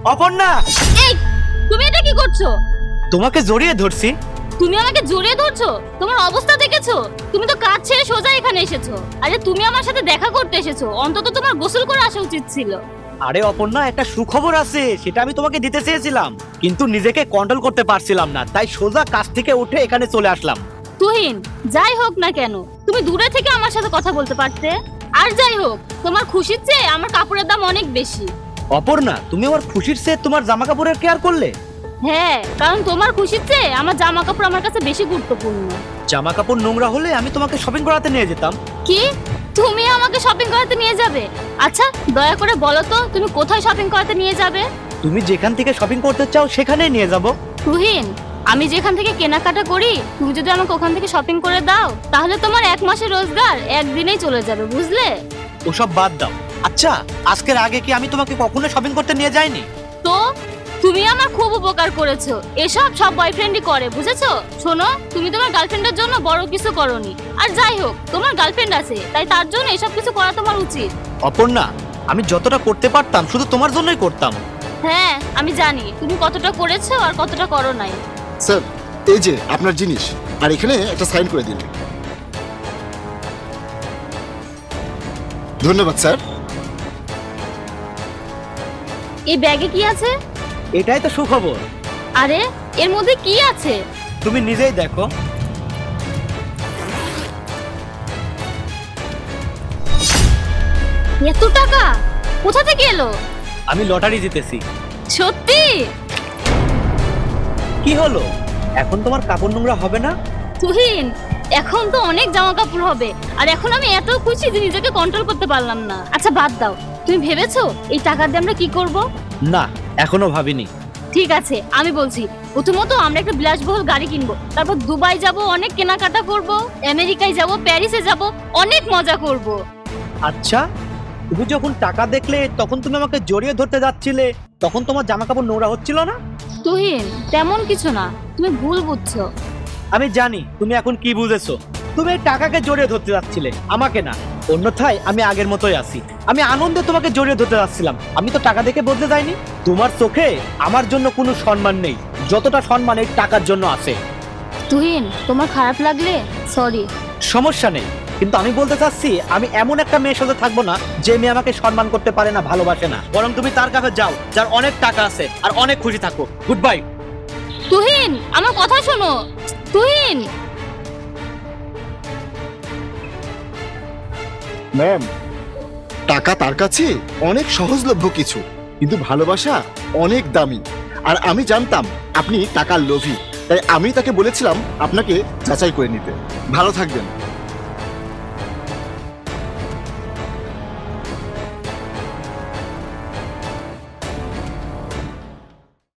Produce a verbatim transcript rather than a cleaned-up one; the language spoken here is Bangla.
অপর্ণা, এই তুমি এটা কি করছো? তোমাকে জড়িয়ে ধরছি। তুমি আমাকে জড়িয়ে ধরছো? তোমার অবস্থা দেখেছো? তুমি তো কাজ ছেড়ে সোজা এখানে এসেছো। আরে তুমি আমার সাথে দেখা করতে এসেছো, অন্তত তোমার গোসল করে আসা উচিত ছিল। আরে অপর্ণা, একটা সুখবর আছে, সেটা আমি তোমাকে দিতে চেয়েছিলাম, কিন্তু নিজেকে কন্ট্রোল করতে পারছিলাম না, তাই সোজা কাজ থেকে উঠে এখানে চলে আসলাম। তুহিন, যাই হোক না কেন তুমি দূরে থেকে আমার সাথে কথা বলতে পারতে। আর যাই হোক, তোমার খুশির চেয়ে আমার কাপড়ের দাম অনেক বেশি। অপর্ণা, তুমি আমার খুশির চেয়ে তোমার জামা কাপড়ের কেয়ার করলে? হ্যাঁ, কারণ তোমার খুশির চেয়ে আমার জামা কাপড় আমার কাছে বেশি গুরুত্বপূর্ণ। জামা কাপড় নোংরা হলে আমি তোমাকে শপিং করাতে নিয়ে যেতাম। কি? তুমি আমাকে শপিং করাতে নিয়ে যাবে? আচ্ছা, দয়া করে বলো তো তুমি কোথায় শপিং করাতে নিয়ে যাবে? তুমি যেখান থেকে শপিং করতে চাও সেখানেই নিয়ে যাব। তুহিন, আমি যেখান থেকে কেনাকাটা করি তুমি যদি আমাকে ওখান থেকে শপিং করে দাও, তাহলে তোমার এক মাসের রোজগার একদিনেই চলে যাবে, বুঝলে? ওসব বাদ দাও। আচ্ছা, আজকের আগে কি আমি তোমাকে কখনো শপিং করতে নিয়ে যাইনি? তো তুমি আমার খুব উপকার করেছো। এসব সব বয়ফ্রেন্ডই করে, বুঝেছো? শোনো, তুমি তোমার গার্লফ্রেন্ডের জন্য বড় কিছু করোনি। আর যাই হোক, তোমার গার্লফ্রেন্ড আছে, তাই তার জন্য এসব কিছু করা তোমার উচিত। অপর্ণা, আমি যতটা করতে পারতাম শুধু তোমার জন্যই করতাম। হ্যাঁ, আমি জানি তুমি কতটা করেছো আর কতটা করো নাই। স্যার, এই যে আপনার জিনিস, আর এখানে একটা সাইন করে দিন। ধন্যবাদ স্যার। এই ব্যাগে কি আছে? এটাই তো সুখবর। আরে, এর মধ্যে কি আছে? তুমি নিজেই দেখো। এত টাকা কোথা থেকে এলো? আমি লটারি জিতেছি। সত্যি? কি হলো, এখন তোমার কাপড় নোংরা হবে না? তুহিন, এখন তো অনেক জামা কাপড় হবে, আর এখন আমি এত খুশি যে নিজেকে কন্ট্রোল করতে পারলাম না। আচ্ছা বাদ দাও, তুমি ভেবেছো এই টাকা দিয়ে আমরা কি করব? না, এখনো ভাবিনি। ঠিক আছে, আমি বলছি। প্রথমত আমরা একটা বিলাসবহুল গাড়ি কিনবো, তারপর দুবাই যাব, অনেক কেনাকাটা করব, আমেরিকায় যাব, প্যারিসে যাব, অনেক মজা করব। আচ্ছা, তুমি যখন টাকা দেখলে তখন তুমি আমাকে জড়িয়ে ধরতে যাচ্ছিলে, তখন তোমার জামা কাপড় নোংরা হচ্ছিল না? তুহিন, তেমন কিছু না, তুমি ভুল বুঝছো। আমি জানি তুমি এখন কি বুঝেছো। তুমি এই টাকাকে জড়িয়ে ধরতে যাচ্ছিলে, আমাকে না। অন্যথায় আমি আগের মতোই আছি। আমি আনন্দে তোমাকে জড়িয়ে ধরতে যাচ্ছিলাম, আমি তো টাকা দেখে বদলে যাইনি। তোমার চোখে আমার জন্য কোনো সম্মান নেই, যতটা সম্মান এই টাকার জন্য আছে। তুহিন, তোমার খারাপ লাগলে সরি। সমস্যা নেই, কিন্তু আমি বলতে চাচ্ছি আমি এমন একটা মেয়ের সাথে থাকবো না যে মেয়ে আমাকে সম্মান করতে পারে না, ভালোবাসে না। বরং তুমি তার কাছে যাও যার অনেক টাকা আছে, আর অনেক খুশি থাকো। Good bye. তুহিন, আমার কথা শোনো। তুহিন। ম্যাম, টাকা তার কাছে অনেক সহজলভ্য কিছু, কিন্তু ভালোবাসা অনেক দামি। আর আমি জানতাম আপনি টাকার লোভী, তাই আমি তাকে বলেছিলাম আপনাকে যাচাই করে নিতে। ভালো থাকবেন।